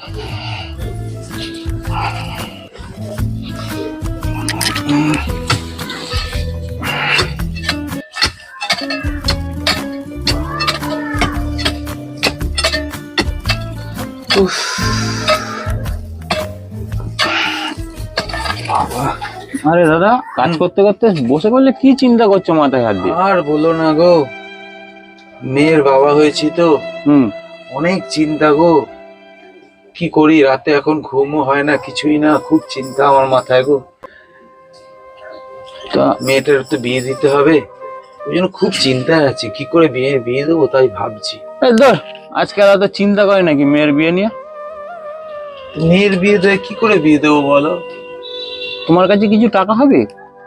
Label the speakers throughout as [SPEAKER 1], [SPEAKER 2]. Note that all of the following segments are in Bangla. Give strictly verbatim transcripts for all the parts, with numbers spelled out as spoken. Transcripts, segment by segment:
[SPEAKER 1] আরে দাদা, কাজ করতে করতে বসে পড়লে কি চিন্তা করছো মাথায় হাত দিয়ে?
[SPEAKER 2] আর বলো না গো, মেয়ের বাবা হয়েছি তো
[SPEAKER 1] হুম
[SPEAKER 2] অনেক চিন্তা গো। কি করি, রাতে এখন ঘুমও হয় না, কিছুই না, খুব চিন্তা আমার মাথায় গো।
[SPEAKER 1] তা
[SPEAKER 2] মেয়েটার তো বিয়ে দিতে হবে, ওই জন্য খুব চিন্তায় আছি, কি করে বিয়ে বিয়ে দেবো তাই ভাবছি।
[SPEAKER 1] এই ধর, আজকাল এত চিন্তা করে নাকি মেয়ের বিয়ে নিয়ে?
[SPEAKER 2] মেয়ের বিয়ে দেয় কি করে বিয়ে দেবো বলো?
[SPEAKER 1] তোমার কাছে কিছু টাকা হবে?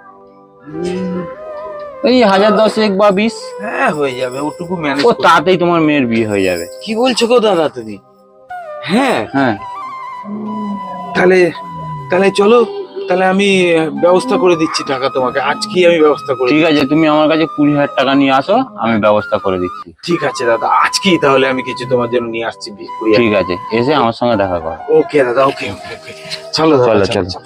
[SPEAKER 1] এই হাজার দশেক বা বিশ।
[SPEAKER 2] হ্যাঁ হয়ে যাবে, ওটুকু ম্যানেজ।
[SPEAKER 1] ও তাতেই তোমার মেয়ের বিয়ে হয়ে যাবে।
[SPEAKER 2] কি বলছো গো দাদা তুমি? হ্যাঁ
[SPEAKER 1] হ্যাঁ
[SPEAKER 2] তাহলে তাহলে চলো, তাহলে আমি ব্যবস্থা করে দিচ্ছি টাকা তোমাকে, আজকেই আমি ব্যবস্থা করে।
[SPEAKER 1] ঠিক আছে, তুমি আমার কাছে কুড়ি হাজার টাকা নিয়ে আসো, আমি ব্যবস্থা করে দিচ্ছি।
[SPEAKER 2] ঠিক আছে দাদা, আজকেই তাহলে আমি কিছু তোমার জন্য নিয়ে আসছি।
[SPEAKER 1] ঠিক আছে, এসে আমার সঙ্গে দেখা করো।
[SPEAKER 2] ওকে দাদা, ওকে ওকে ওকে চলো দাদা,
[SPEAKER 1] চলো চলো।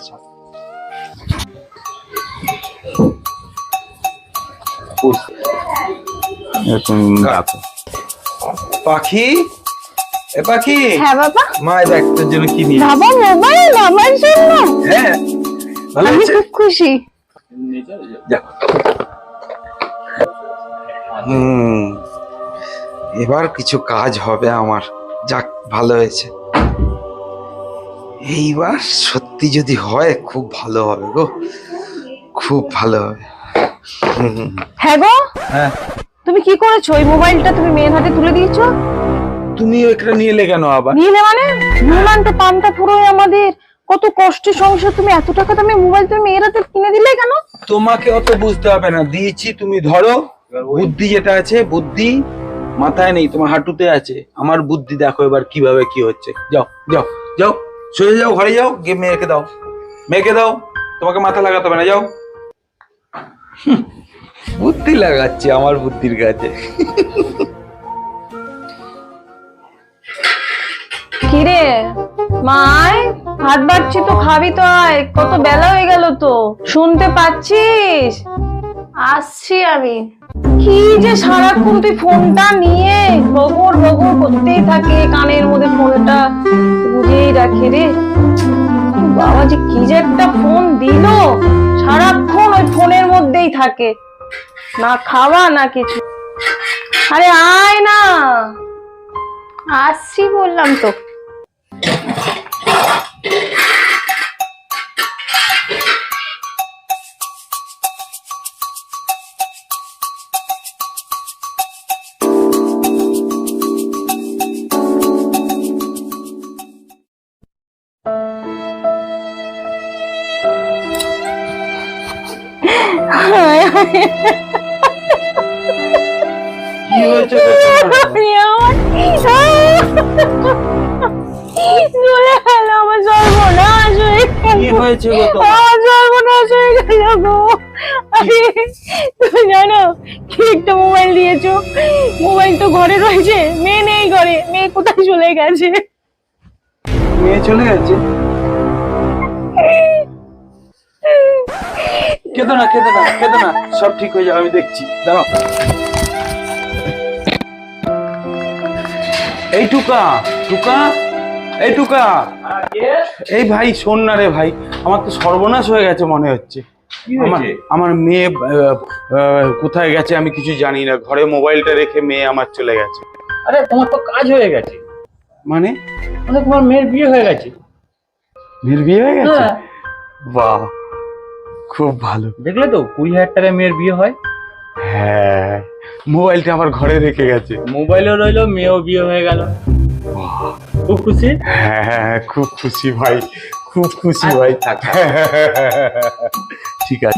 [SPEAKER 1] তুমি ডাকো।
[SPEAKER 2] পাখি, এ পাখি।
[SPEAKER 3] হ্যাঁ বাবা।
[SPEAKER 2] মা দেখ তোর জন্য কি নিয়ে।
[SPEAKER 3] বাবা মোবাইল বাবার জন্য?
[SPEAKER 2] হ্যাঁ ভালো
[SPEAKER 3] আমি
[SPEAKER 2] হয়েছে।
[SPEAKER 3] খুব খুশি।
[SPEAKER 2] যা। হুম এবার কিছু কাজ হবে আমার, যাক ভালো হয়েছে। এইবার সত্যি যদি হয় খুব ভালো হবে গো, খুব ভালো হবে।
[SPEAKER 3] হ্যাঁ গো,
[SPEAKER 2] হ্যাঁ
[SPEAKER 3] তুমি কি করেছো? ওই মোবাইলটা তুমি মেয়ের হাতে তুলে দিয়েছো?
[SPEAKER 2] তুমি ওইটা নিয়ে এলে কেন আবার?
[SPEAKER 3] নিলে মানে নুনান্তে পান্তা পুরো আমাদের কত কষ্টের সংসার, তুমি এত টাকা দামে মোবাইল তুমি মেয়ের হাতে কিনে দিলে কেন?
[SPEAKER 2] তোমাকে অত বুঝতে হবে না, দিয়েছি, তুমি ধরো। বুদ্ধি যেটা আছে, বুদ্ধি মাথায় নেই, তোমার হাঁটুতে আছে। আমার বুদ্ধি দেখো এবার কিভাবে কি হচ্ছে। যাও যাও যাও, সোজা যাও, ঘরে যাও, গিয়ে মেয়েকে দাও, মেয়েকে দাও, তোমাকে মাথা লাগাতে হবে না, যাও। হুম, বুদ্ধি লাগাচ্ছি আমার বুদ্ধির কাছে।
[SPEAKER 3] কিরে মাই, হাত বাড়ছি তো, খাবি তো আয়, কত বেলা হয়ে গেল তো, শুনতে পাচ্ছিস? আসছি আমি। কি যে সারাক্ষণ তুই ফোনটা নিয়ে বগর বগর করতেই থাকে, কানের মধ্যে ফোনটা বুঝেই রাখে রে। বাবা যে কি যে একটা ফোন দিল, সারাক্ষণ ওই ফোনের মধ্যেই থাকে, না খাওয়া না কিছু। আরে আয় না। আসছি বললাম তো।
[SPEAKER 2] কি হয়েছে
[SPEAKER 3] আমার সর্বনাশ হয়ে গেল।
[SPEAKER 2] কি হয়েছে গো তোমার?
[SPEAKER 3] আমার সর্বনাশ হয়ে গেল গো। আরে তুমি জানো কি একটা মোবাইল দিয়েছো, মোবাইল তো ঘরে রয়েছে, মেয়ে নেই ঘরে, মেয়ে কোথায় চলে গেছে?
[SPEAKER 2] মেয়ে চলে গেছে? কেঁদো না কেঁদো না কেঁদো না, সব ঠিক হয়ে যাবে, আমি দেখছি, দাঁড়াও। এই টুকা, টুকা, এই টুকা, এই ভাই শোন না রে ভাই, আমার তো সর্বনাশ হয়ে গেছে মনে হচ্ছে। আমার আমার মেয়ে আহ, আহ, কোথায় গেছে আমি কিছু জানি না, ঘরে মোবাইলটা রেখে মেয়ে আমার চলে গেছে।
[SPEAKER 1] আরে তোমার তো কাজ হয়ে গেছে,
[SPEAKER 2] মানে
[SPEAKER 1] মানে তোমার মেয়ের বিয়ে হয়ে গেছে।
[SPEAKER 2] মেয়ের বিয়ে হয়ে গেছে?
[SPEAKER 1] হ্যাঁ।
[SPEAKER 2] বাহ, খুব ভালো।
[SPEAKER 1] দেখলে তো, কুড়ি হাজার টাকায় মেয়ের বিয়ে হয়।
[SPEAKER 2] হ্যাঁ, মোবাইলটা আমার ঘরে রেখে গেছে।
[SPEAKER 1] মোবাইলও রইলো, মেয়েও বিয়ে হয়ে গেল। খুব খুশি?
[SPEAKER 2] হ্যাঁ হ্যাঁ, খুব খুশি ভাই, খুব খুশি ভাই। ঠিক আছে।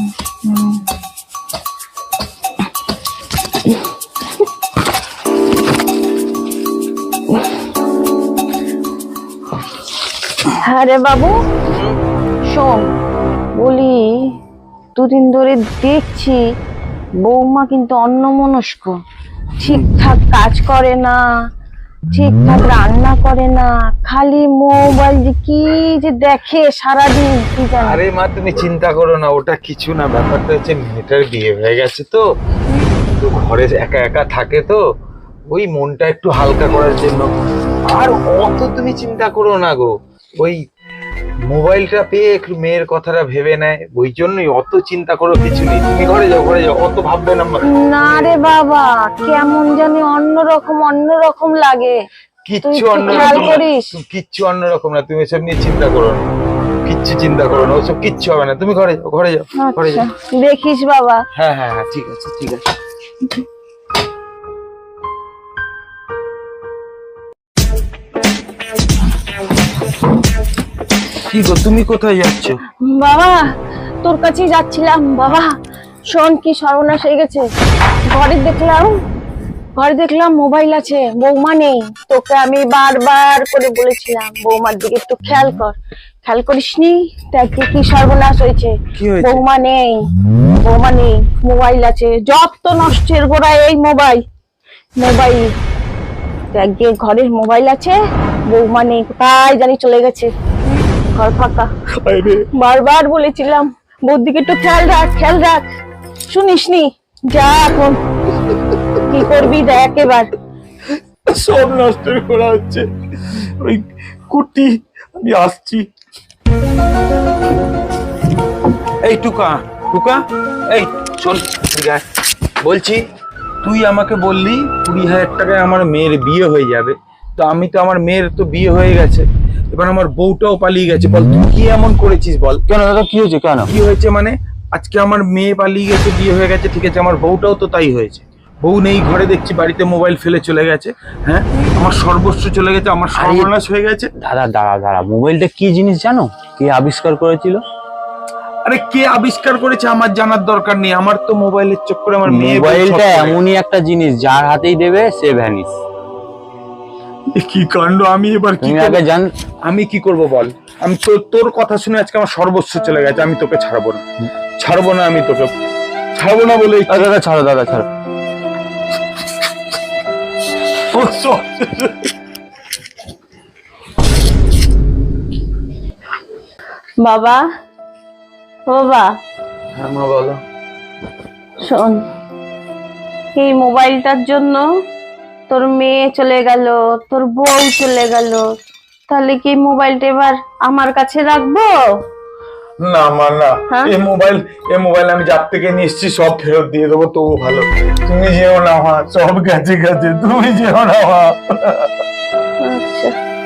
[SPEAKER 3] আরে বাবু শোন, বলি দুদিন ধরে দেখছি বৌমা কিন্তু অন্যমনস্ক, ঠিকঠাক কাজ করে না, ঠিকঠাক রান্না করে না, খালি মোবাইল যে কি যে দেখে সারাদিন কি জানি।
[SPEAKER 2] আরে মা তুমি চিন্তা করো না, ওটা কিছু না। ব্যাপারটা হচ্ছে মেয়েটার বিয়ে হয়ে গেছে তো তো ঘরে একা একা থাকে তো ওই মনটা একটু হালকা করার জন্য। আর অত তুমি চিন্তা করো না গো, ওই মোবাইলটা পেয়ে একটু মেয়ের কথাটা ভেবে নেয়, ওই জন্যই। অত চিন্তা করো কিছু নেই, তুমি ঘরে যাও ঘরে যাও, অত ভাববে না।
[SPEAKER 3] না রে বাবা, কেমন জানি অন্যরকম অন্যরকম লাগে।
[SPEAKER 2] কিচ্ছু
[SPEAKER 3] তুই
[SPEAKER 2] অন্য
[SPEAKER 3] খেয়াল করিস?
[SPEAKER 2] কিচ্ছু অন্যরকম না, তুমি এসব নিয়ে চিন্তা করো না, কিচ্ছু চিন্তা করো না, ওসব কিচ্ছু হবে না। তুমি ঘরে যাও ঘরে যাও ঘরে
[SPEAKER 3] আচ্ছা,
[SPEAKER 2] যাও।
[SPEAKER 3] দেখিস বাবা।
[SPEAKER 2] হ্যাঁ হ্যাঁ হ্যাঁ ঠিক আছে ঠিক আছে। কি গো তুমি কোথায় যাচ্ছ?
[SPEAKER 3] বাবা তোর কাছেই যাচ্ছিলাম। বাবা শোন, কি সর্বনাশ হয়ে গেছে। ঘরে দেখলাম ঘরে দেখলাম মোবাইল আছে, বৌমা নেই। তোকে আমি বারবার করে বলেছিলাম বৌমার দিকে একটু খেয়াল কর, খেয়াল করিসনি? দেখ কি সর্বনাশ হয়েছে।
[SPEAKER 2] কি হয়েছে?
[SPEAKER 3] বৌমা নেই, বৌমা নেই, মোবাইল আছে। যত নষ্টের গোড়ায় এই মোবাইল মোবাইল দেখ গিয়ে ঘরের মোবাইল আছে, বৌমা নেই, কোথায় জানি চলে গেছে, ঘর ফাঁকা। বারবার বলেছিলাম বউর দিকে একটু খেয়াল রাখ খেয়াল রাখ, শুনিসনি? যা এখন কি করবি দেখ এবার।
[SPEAKER 2] সব নষ্ট করা হচ্ছে। ওই কুটি আমি আসছি। এই টুকা টুকা এই শোন, এদিকে আয়। বলছি তুই আমাকে বললি কুড়ি হাজার টাকায় আমার মেয়ের বিয়ে হয়ে যাবে, তো আমি তো আমার মেয়ের তো বিয়ে হয়ে গেছে, এবার আমার বউটাও পালিয়ে গেছে। বল তুই কি এমন করেছিস বল?
[SPEAKER 1] কেন দাদা, কি হয়েছে? কেন
[SPEAKER 2] কি হয়েছে মানে আজকে আমার মেয়ে পালিয়ে গেছে, বিয়ে হয়ে গেছে, ঠিক আছে, আমার বউটাও তো তাই হয়েছে। বউ নেই ঘরে, দেখছি বাড়িতে মোবাইল ফেলে চলে গেছে। হ্যাঁ, আমার সর্বস্ব চলে গেছে, আমার সর্বনাশ হয়ে গেছে।
[SPEAKER 1] দাদা দাঁড়া দাঁড়া, মোবাইলটা কি জিনিস জানো? কে আবিষ্কার করেছিল?
[SPEAKER 2] আরে কে আবিষ্কার করেছে আমার জানার দরকার নেই, আমার তো মোবাইলের চক্করে আমার মেয়ে বউ
[SPEAKER 1] মোবাইলটা
[SPEAKER 2] সব করে
[SPEAKER 1] এমনই একটা জিনিস, যার হাতেই দেবে সে ভ্যানিস।
[SPEAKER 2] গেছে। কি কাণ্ড! আমি এবার কি
[SPEAKER 1] তুমি
[SPEAKER 2] করব?
[SPEAKER 1] আগে জান।
[SPEAKER 2] আমি কি করব বল? আমি তো তোর কথা শুনে আজকে আমার সর্বস্ব চলে গেছে, আমি তোকে ছাড়বো না, ছাড়বো না, আমি তোকে ছাড়বো না বলে
[SPEAKER 1] আ, দাদা ছাড়ো, দাদা ছাড়ো।
[SPEAKER 3] বাবা ও বাবা,
[SPEAKER 2] হ্যাঁ মা বলো।
[SPEAKER 3] শোন, এই মোবাইলটার জন্য তোর মেয়ে চলে গেল, তোর বউ চলে গেল, তাহলে কি মোবাইলটা এবার আমার কাছে রাখবো?
[SPEAKER 2] না মা না,
[SPEAKER 3] হ্যাঁ?
[SPEAKER 2] এই মোবাইল এই মোবাইল আমি যার থেকে নিয়ে এসেছি সব ফেরত দিয়ে দেবো, তবু ভালো। তুমি যেও না মা, সব গেছে গেছে, তুমি যেও না মা।
[SPEAKER 3] আচ্ছা